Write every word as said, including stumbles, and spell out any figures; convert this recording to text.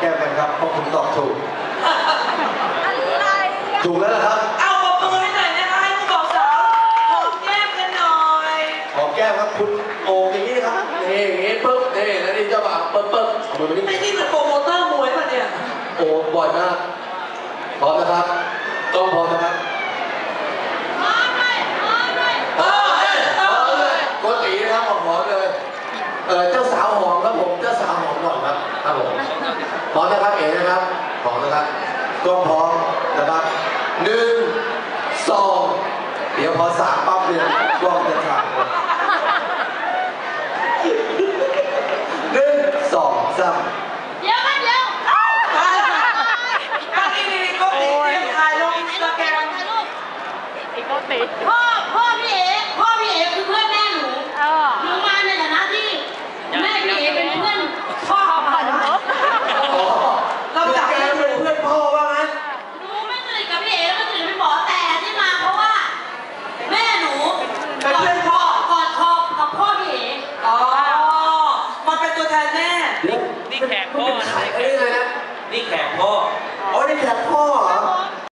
แก้มกันครับเพราะคุณตอบถูกอะไรถูกแล้วนะครับเอาปรบมือให้หน่อยนะคะให้ผู้บอกสาวหอมแก้มกันหน่อยหอมแก้มครับคุณโอ่งอย่างนี้นะครับนี่อย่างนี้ปึ๊บนี่แล้วนี่เจ้าบ่าวปึ๊บปึ๊บมือไปนี่ไอ้นี่เป็นโปรโมเตอร์มวยป่ะเนี่ยโอ้บ่อยมากพร้อมนะครับต้องพร้อมนะครับพร้อมเลยพร้อมเลยพร้อมเลยพร้อมเลยโกตินะครับบอกพร้อมเลยเออเจ้าสาวหอมครับผมเจ้าสาวหอมก่อนครับครับผมพร้อมนะครับเอ๋นะครับพร้อมนะครับกล้องพร้อมนะครับหนึ่งสองเดี๋ยวพอสามปั๊บเนี่ยกล้องจะถ่ายหนึ่งสองสามเดี๋ยวกันเดี๋ยวตั้งนี่นี่ก็ติดเตรียมถ่ายลงอินสตาแกรมไอ้ก็ติดพ่อพ่อพี่เอ๋พ่อพี่เอ๋คือเพื่อนแม่หนูหนูมาในฐานะที่แม่พี่เอ๋เป็นเพื่อนพ่อพ่อหนูเราจับแกเป็นเพื่อนพ่อว่างั้นหนูไม่สนิทกับพี่เอ๋ไม่สนิทกับพี่หมอแต่ที่มาเพราะว่าแม่หนูเป็นเพื่อนพ่อกอดคอกับพ่อพี่เอ๋อ๋อมาเป็นตัวแทนแม่นี่แขกพ่อนะไอ้นี่เลยนะนี่แขกพ่ออ๋อนี่แขกพ่อเหรอ